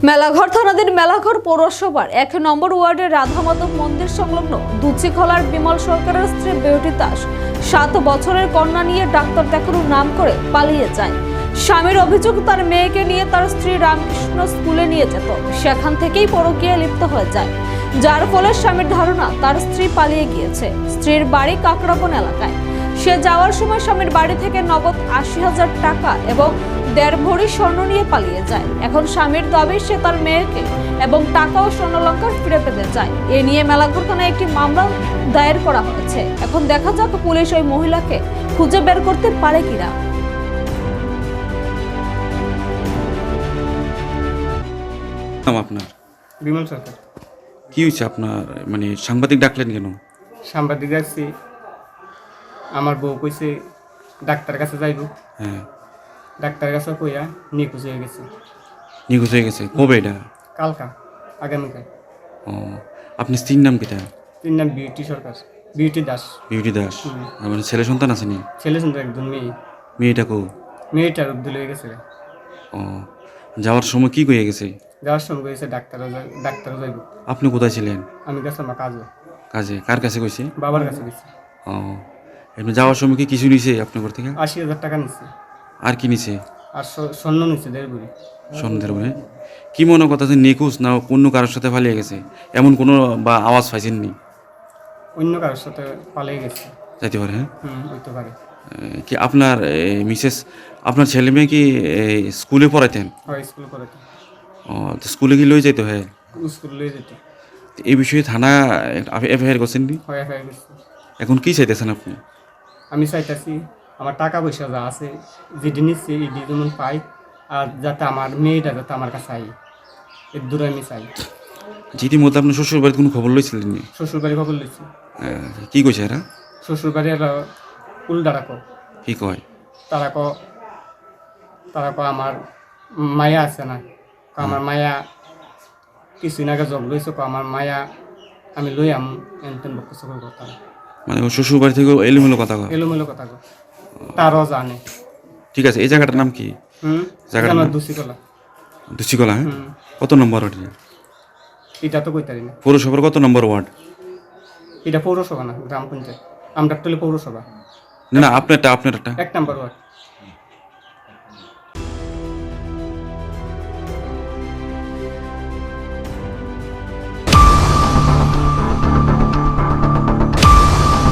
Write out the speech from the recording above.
মেলাঘর থানাধীন মেলাঘর পৌরসভার ১ নম্বর ওয়ার্ডের রাধা মাধব মন্দির সংলগ্ন দুচিখলার বিমল সরকারের স্ত্রী বিউটি দাস ৭ বছরের কন্যা নিয়ে ডাক্তার দেখানোর নাম করে পালিয়ে যায়। স্বামীর অভিযোগ, তার মেয়েকে নিয়ে তার স্ত্রী রামকৃষ্ণ স্কুলে নিয়ে যেত, সেখান থেকেই পরকীয়ায় লিপ্ত হয়ে যায়, যার ফলে স্বামীর ধারণা তার স্ত্রী পালিয়ে গিয়েছে। স্ত্রীর বাড়ি কাকরাবন এলাকায়। সে যাওয়ার সময় স্বামীর বাড়ি থেকে নগদ ৮০,০০০ টাকা এবং ১.৫ ভরি স্বর্ণ নিয়ে পালিয়ে যায়। এখন স্বামীর দাবি সে তার মেয়েকে এবং টাকা ও স্বর্ণালঙ্কার ফিরে পেতে চায়। এ নিয়ে মেলাঘর থানায় একটি মামলা দায়ের করা হয়েছে। এখন দেখা যাক পুলিশ ওই মহিলাকে খুঁজে বের করতে পারে কিনা। আপনার বিমল সরকার। কি হয়েছে আপনার? মানে সাংবাদিক ডাকলেন কেন? সাংবাদিক আসছি, আমার বউ কইছে ডাক্তার কাছে যাইব। হ্যাঁ, ডাক্তারের কাছে কইয়া নিখোঁজ হয়ে গেছে। নিখোঁজ হয়ে গেছে কবে এটা? কালকা, আগামীকাল। ও, আপনি স্ত্রীর নাম কিটা? তিন নাম বিউটি সরকার, বিউটি দাস। বিউটি দাস। মানে ছেলে সন্তান আসেনি? ছেলে শুনতে একজন মেয়ে, মেয়েটা কো? মেয়েটার উদ্দুল হয়ে গেছে। ও, যাওয়ার সময় কি কয়ে গেছে? যাওয়ার সময় কইছে ডাক্তারও যাইব। আপনি কোথায় ছিলেন? আমি গেছিলাম কাজে, কাজে। কার কাছে কইছে? বাবার কাছে গেছি। ও, এমনি যাওয়ার সময় কি কিছু নিছে আপনার ঘর থেকে? ৮০,০০০ টাকা নিচ্ছে, আর কি নিছে? আর স্বর্ণ নিচ্ছে ১.৫ ভরি। সন্ধ্যের বলে কি মনে কথা যে নিখোঁজ না অন্য কারোর সাথে পালিয়ে গেছে, এমন কোনো বা আওয়াজ পাইছেননি? অন্য কারোর সাথে পালিয়ে গেছে। যাইতে পারে। হ্যাঁ, হইতে পারে। কি আপনার মিসেস, আপনার ছেলে মেয়ে কি স্কুলে পড়াইতেন? হয়, স্কুল করে তো। ও, তো স্কুলে কি লই যাইতে হয়? স্কুল লয়ে যেত। তো এই বিষয়ে থানা এফআইআর করছেন নি? হয়, হয়ে গেছে। এখন কি চাইতেছেন আপনি? আমি চাইতেছি আমার টাকা পয়সা যা আছে, যেটি নিচ্ছে এটি যেমন পাই, আর যাতে আমার মেয়েটা যাতে আমার কাছে আই, এর দূরে আমি চাই। ইতিমধ্যে আপনার শ্বশুর বাড়িতে কোনো খবর লইছিলেন নি? শ্বশুরবাড়ি খবর লিখছি। কি কইছে এরা? শ্বশুরবাড়ি এরা উল্টারা কো, কি কয়? তারা ক আমার মায়া আছে না, আমার মায়া কিছুদিন আগে জব লইছে, আমার মায়া আমি লই আম এনতেন বকছে কথা। মানে ও শ্বশুর বাড়ি থেকে এলোমেলো কথা কয়? এলোমেলো কথা কো, তারও জানে। ঠিক আছে, এই জায়গাটার নাম কি? জায়গাটার নাম দুশিকলা। দুচিকলা। হ্যাঁ, কত নম্বর ওটা? এটা তো কইতারি না। পৌরসভার কত নম্বর ওয়ার্ড? এটা পৌরসভা না, গ্রাম পঞ্চায়েত। আমরা পৌরসভা। না না, আপনারটা ১ নম্বর ওয়ার্ড।